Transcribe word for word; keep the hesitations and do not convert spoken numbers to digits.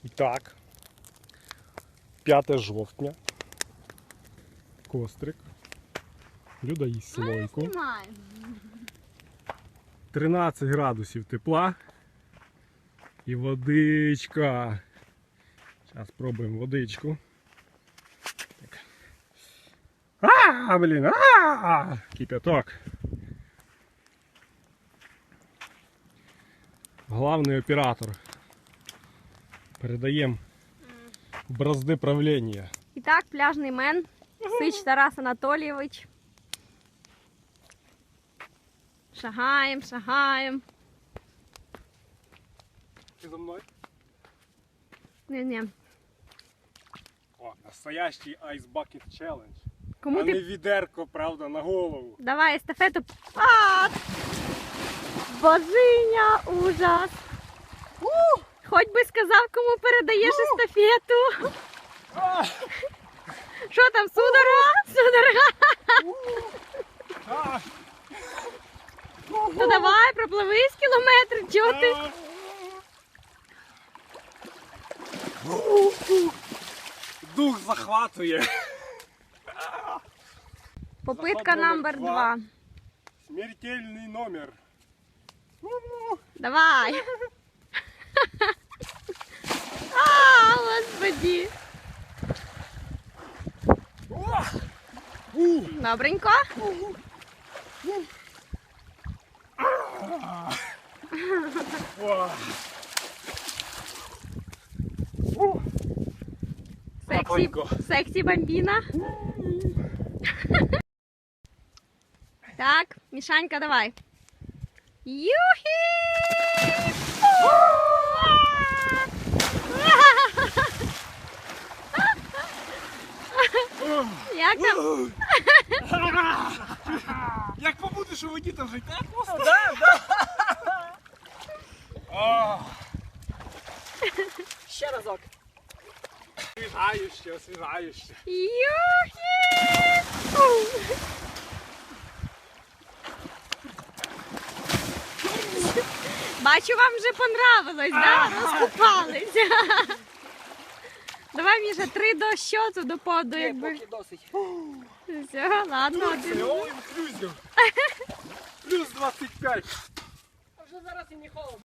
І так, п'яте жовтня. Кострик. Люда їсть слойку. тринадцять градусів тепла. І водичка. Зараз спробуємо водичку. Так. А, блін, а! Кипяток. Главний оператор. Передаємо бразди правління. І так, пляжний мен. Сич Тарас Анатолійович. Шагаємо, шагаємо. Ти за мною? Не-не. О, настоящий Ice Bucket Challenge. Кому а ти... не відерко, правда, на голову. Давай естафету. А! Божиня, ужас. У! Хоч би сказав, кому передаєш естафету. Що там, судорога? Судорога? То давай, пропливись кілометр, чого ти? Дух захватує. Попитка номер два. Смертельний номер. Давай. А, господи. Добренько. Сексі, сексі бомбіна. Так, Мішанька, давай. Юхі! Як там? Як побудеш у воді, там життя просто? Да, да. Ще разок. Освіжающе, освіжающе. Юхі! Бачу, вам вже понравилось, да? Розкупались. Давай, Міша, три до щоту, до поду, Ні, якби. поки досить. Все, ладно. Це all inclusive. Плюс двадцять п'ять. А вже зараз і не холодно.